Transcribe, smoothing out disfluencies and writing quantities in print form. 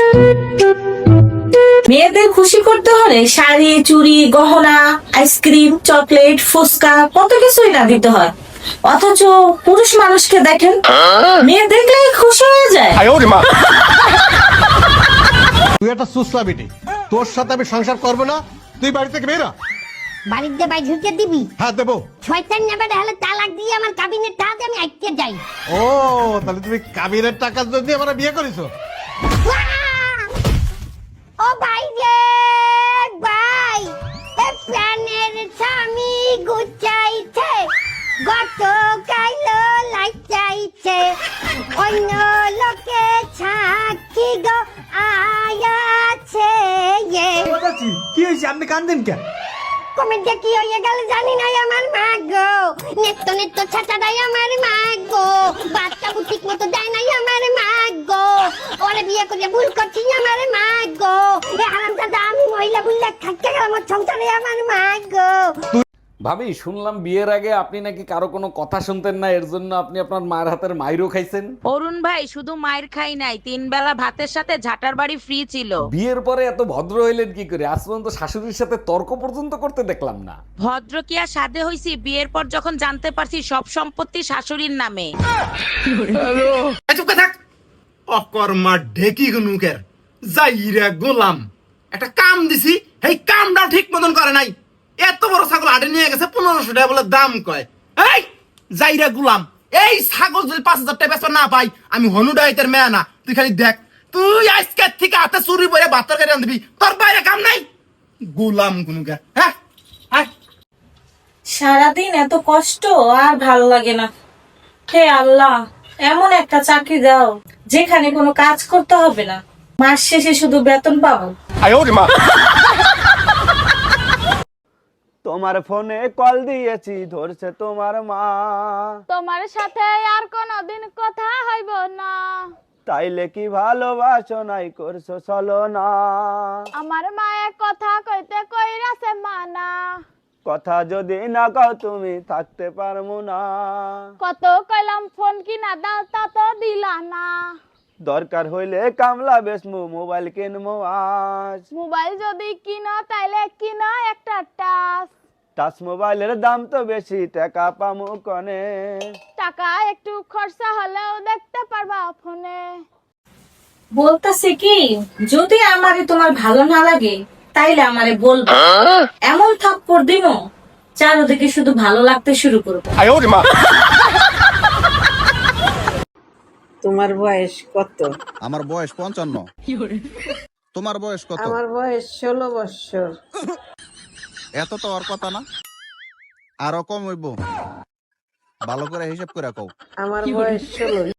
মেয়েদের খুশি করতে হলে শাড়ি, চুড়ি, গহনা, আইসক্রিম, চকলেট, ফুচকা কত কিছুই না দিতে হয়। অথচ পুরুষ মানুষকে দেখেন, মেয়ে দেখলেই খুশি হয়ে যায়। তুই একটা সুসলা বেটি, তোর সাথে আমি সংসার করবো না। তুই বাড়ি থেকে বেরা। বাড়িতে বাই ঢুকে দিবি? হ্যাঁ দেবো। শয়তান নেবে হলে তালাক দিয়ে আমার কাবিনের টাকা আমি আইতে যাই। ও তাহলে তুমি কাবিনের টাকা দিয়ে আমার বিয়ে করেছো? ও ভাই রে ভাই, এ প্রাণের স্বামী গুচাইছে, গত কাইলো লাইচাইছে, অন্য লোকে সাক্ষী গো আয়াছে। কি হয়েছে, আপনি কান্দেন কেন? কমেন্টে কি হয়ে গেল জানি নাই আমার মা গো, নেত্য নেত্য ছাতা দেয় আমার মা গো, বাচ্চা ঠিক মতো দেয় নাই আমার মা গো, ওরে বিয়ে করে ভুল করছি আমার মা গো, এ হারামজাদা আমি মহিলা বুল্লা থাকতে গেলাম ওর সংসারে আমার মা গো। ভাবি, শুনলাম বিয়ের আগে আপনি নাকি কারো কোনো কথা শুনতেন না, এর জন্য আপনি আপনার মায়ের হাতের মাইরও খাইছেন। অরুণ ভাই, শুধু মায়ের খাই নাই, 3 বেলা ভাতের সাথে ঝাটার বাড়ি ফ্রি ছিল। বিয়ের পরে এত ভদ্র হইলেন কি করে? আজ পর্যন্ত শাশুড়ির সাথে তর্ক পর্যন্ত করতে দেখলাম না। ভদ্র কি আর সাধে হইছি? বিয়ের পর যখন জানতে পারছি সব সম্পত্তি শাশুড়ির নামে। চুপ করে থাক। অকর্মা ঢেকি গুনুকের যাইরা গোলাম একটা কাম দিছি, এই কামটাও ঠিক মতন করে নাই। এত বড় ছাগল হাটে নিয়ে গেছে 1500 টাকা বলে দাম কয়। এই যাইরা গোলাম, এই ছাগল যদি 5000 টাকা বেচা না পাই, আমি হনুডাইতের মেয়া না। তুই খালি দেখ, তুই আজকে থেকে হাতে চুরি পরে ভাত তরকারি রাঁধবি, তোর বাইরে কাম নাই। গোলাম গুনুকে, হ্যাঁ হ্যাঁ। সারাদিন এত কষ্ট আর ভালো লাগে না। হে আল্লাহ, এমন একটা চাকরি দাও যেখানে কোনো কাজ করতে হবে না, মাস শেষে শুধু বেতন পাবো। তোমার ফোনে কল দিয়েছি, ধরছে তোমার মা। তোমার সাথে আর কোনদিন কথা হইব না, তাইলে কি ভালোবাসো নাই করছো চলো না। আমার মায়ে কথা কইতে কইরাছে মানা, কথা যদি না কও তুমি থাকতে পারবো না। কত কইলাম ফোন কিনা দাও তা তো দিলা না, দরকার হইলে কামলা বেসমু, মোবাইল কিনবো আজ। মোবাইল যদি কিনো তাইলে কিনো একটা টাচ মোবাইলের দাম তো বেশি, টাকা পামু কনে। টাকা একটু খরচা হলেও দেখতে পারবা ফোনে। বলতেছে কি, যদি আমারে তোমার ভালো না লাগে তাইলে আমারে বলবো, এমন থাপ্পড় দিব চারদিকে শুধু ভালো লাগতে শুরু করবে। তোমার বয়স কত? আমার বয়স 55। তোমার বয়স কত? আমার বয়স 16 বছর। এত তো আর কথা না, আরো কম হইব। ভালো করে হিসাব করে কও। আমার বয়স 16।